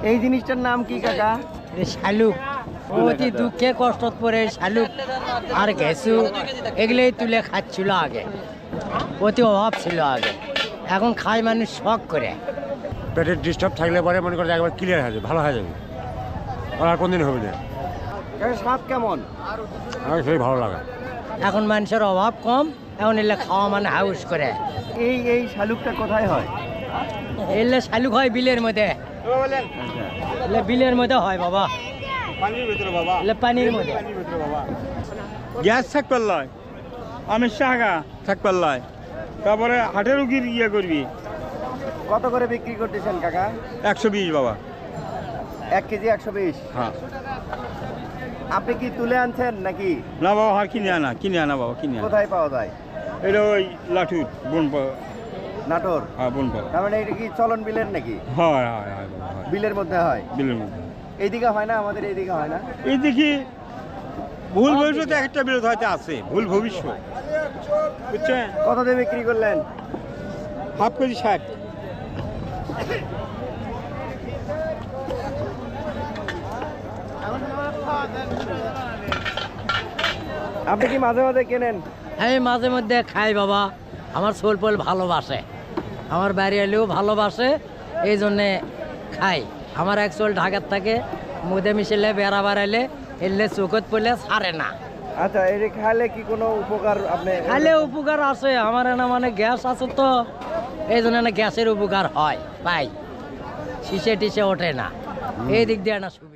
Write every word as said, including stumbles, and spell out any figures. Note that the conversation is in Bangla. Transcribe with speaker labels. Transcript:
Speaker 1: এই জিনিসটার নাম কি কাকা?
Speaker 2: শালুক। অতি দুঃখে কষ্ট পরে শালুক আর ঘেঁসু এগুলোই তুলে খাচ্ছিল আগে, অতি অভাব ছিল আগে, এখন খায় মানুষ শখ করে।
Speaker 3: পেটের ডিস্টার্ব থাকলে পরে মনে করে একবার ক্লিয়ার হয়ে যাবে, ভালো হয়ে যাবে, আর কোনদিন হবে না।
Speaker 1: কাকা স্বাদ কেমন?
Speaker 3: আমার সেই ভালো লাগে।
Speaker 2: এখন মানুষের অভাব কম, এখন এলে খাওয়া মানে হাউস করে।
Speaker 1: এই এই শালুকটা কোথায় হয়?
Speaker 2: এলে শালুক হয় বিলের মধ্যে, এলে বিলের মধ্যে হয় বাবা,
Speaker 3: পানির ভিতরে বাবা,
Speaker 2: এলে পানির মধ্যে।
Speaker 3: বাবা
Speaker 4: গ্যাস থাক পাল্লায়, আমের শাখা থাক পাল্লায়, তারপরে হাটের রুগীর ইয়ে করবি।
Speaker 1: কত করে বিক্রি করতেছেন কাকা?
Speaker 4: একশো বিশ বাবা।
Speaker 1: এক কেজি একশো বিশ।
Speaker 4: হ্যাঁ
Speaker 1: আপনি কি তুলে আনছেন নাকি?
Speaker 4: না বাবা, হার কিনে আনা, কিনে আনা বাবা, কিনে আনা।
Speaker 1: কোথায় পাওয়া যায়?
Speaker 4: এটা ওই লাঠুর বোন পাওয়া।
Speaker 1: নাটোর?
Speaker 4: হ্যাঁ বোন পাওয়া।
Speaker 1: তার মানে এটা কি চলন বিলের নাকি?
Speaker 4: হয় হয় হয় বাবা, হয়।
Speaker 1: বিলের মধ্যে হয়?
Speaker 4: বিলের মধ্যে
Speaker 1: এইদিকে হয় না, আমাদের এইদিকে হয় না।
Speaker 4: এই দেখি ভুল ভবিষ্যতে একটা বিরোধ হয়তো আছে, ভুল ভবিষ্যৎ, বুঝছেন?
Speaker 1: কত দিয়ে বিক্রি করলেন?
Speaker 4: হাফ কেজি ষাট।
Speaker 1: আপনি কি মাঝে মাঝে কেনেন?
Speaker 2: আমি মাঝে মধ্যে খাই বাবা, আমার সোল পোল ভালোবাসে, আমার বাড়ি এলেও ভালোবাসে, এই জন্যে খাই। আমার এক সোল ঢাকার থাকে, মুদে মিশিলে বেড়া বাড়াইলে এলে চোখত পড়লে ছাড়ে না।
Speaker 1: আচ্ছা, এটা খাইলে কি কোনো উপকার আপনি?
Speaker 2: খাইলে উপকার আছে, আমার না মানে গ্যাস আছে তো, এই জন্য না গ্যাসের উপকার হয় পাই, শিশে টিসে ওঠে না, এই দিক দিয়ে না সুবিধা।